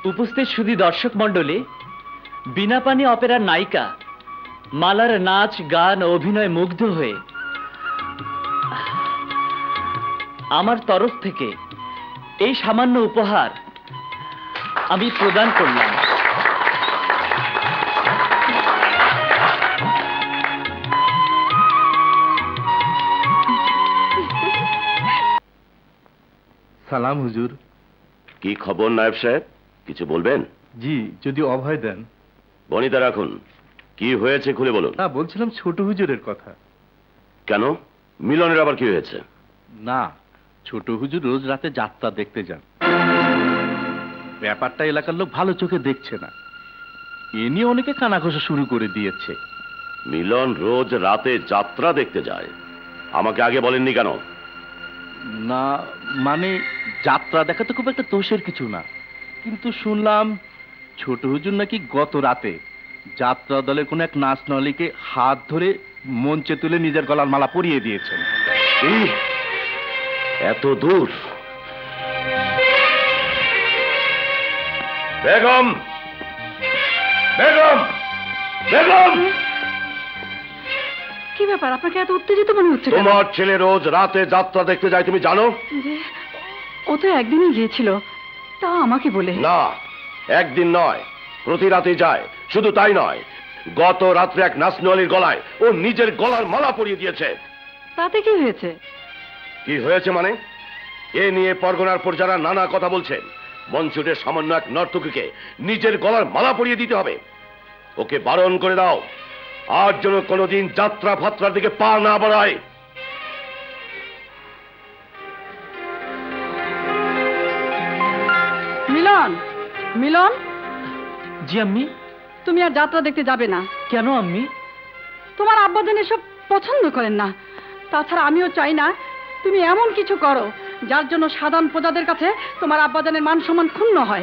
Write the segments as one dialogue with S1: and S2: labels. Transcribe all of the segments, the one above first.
S1: উপস্থিত সুধী দর্শক মণ্ডলী, বিনা পানি অপেরার নায়িকা মালার নাচ গান ও অভিনয় মুগ্ধ হয়ে আমার তরফ থেকে এই সামান্য উপহার আমি প্রদান করলাম।
S2: সালাম হুজুর।
S3: কি খবর নায়েব সাহেব, কিছু বলবেন?
S2: জি, যদি অভয় দেন।
S3: বনিতা রাখুন, কি হয়েছে খুলে বলুন।
S2: না, বলছিলাম ছোট হুজুরের কথা।
S3: কেন, মিলনের আবার কি হয়েছে?
S2: না, ছোট হুজুর রোজ রাতে যাত্রা দেখতে যান। ব্যাপারটা এলাকার লোক ভালো চোখে দেখছে না, এ নিয়ে অনেকে কানাঘষা শুরু করে দিয়েছে।
S3: মিলন রোজ রাতে যাত্রা দেখতে যায়, আমাকে আগে বলেননি কেন?
S2: না মানে, যাত্রা দেখা তো খুব একটা দোষের কিছু না, কিন্তু শুনলাম ছোট হুজুর নাকি গত রাতে যাত্রা দলের কোন এক নাচ নলিকে হাত ধরে মঞ্চে তুলে নিজের গলার মালা পরিয়ে দিয়েছেন।
S3: এই এত দূর? বেগম, বেগম, বেগম!
S4: কি ব্যাপার, আপনাকে এত উত্তেজিত মনে হচ্ছে?
S3: তোমার ছেলে রোজ রাতে যাত্রা দেখতে যায়, তুমি জানো?
S4: ও তো একদিনই গিয়েছিল, তা আমাকে বলে।
S3: না, একদিন নয়, প্রতি রাতে যায়। শুধু তাই নয়, গত রাত্রে এক নাচনওয়ালির গলায় ও নিজের গলার মালা পরিয়ে দিয়েছে।
S4: তাতে কি হয়েছে?
S3: কি হয়েছে মানে? এ নিয়ে পরগনার পর যারা নানা কথা বলছেন, মঞ্চুটের সামান্য এক নর্তকীকে নিজের গলার মালা পরিয়ে দিতে হবে। ওকে বারণ করে দাও, আর যেন কোনোদিন যাত্রা ফাত্রার দিকে পা না বাড়ায়।
S4: মিলন, মিলন!
S1: জি আম্মি।
S4: তুমি আর যাত্রা দেখতে যাবে না।
S1: কেন আম্মি?
S4: তোমার আব্বাজান এসব পছন্দ করেন না। তাছাড়া আমিও চাই না তুমি এমন কিছু করো যার জন্য সাধারণ প্রজাদের কাছে তোমার আব্বাজানের মান সম্মান ক্ষুণ্ণ হয়।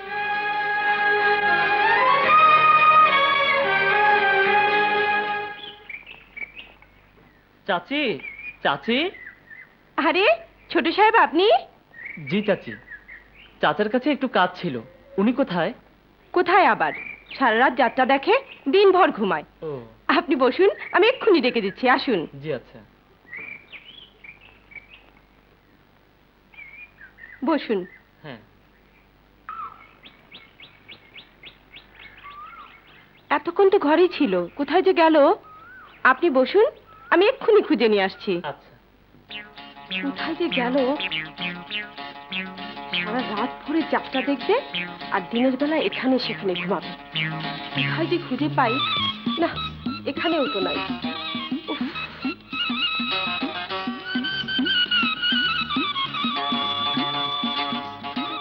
S1: চাচি, চাচি!
S4: আরে ছোট সাহেব, আপনি?
S1: জি চাচি, চাচার কাছে একটু কাজ ছিল। উনি কোথায়?
S5: কোথায় আবার, সারা রাত যাত্রা দেখে, দিনভর ঘুমায়।
S1: ও
S5: আপনি বসুন, আমি এক্ষুনি ডেকে দিচ্ছি, আসুন।
S1: জি আচ্ছা।
S5: বসুন।
S1: হ্যাঁ।
S5: এতক্ষণ তো ঘরেই ছিল, কোথায় যে গেল? আপনি বসুন, আমি এক্ষুনি খুঁজে নিয়ে আসছি।
S1: আচ্ছা।
S5: কোথায় যে গেল? সারা রাত ভরে যাত্রা দেখবে আর দিনের বেলা এখানে সেখানে ঘুমাবে। কোথায় যে খুঁজে পাই না, এখানেও তো নাই।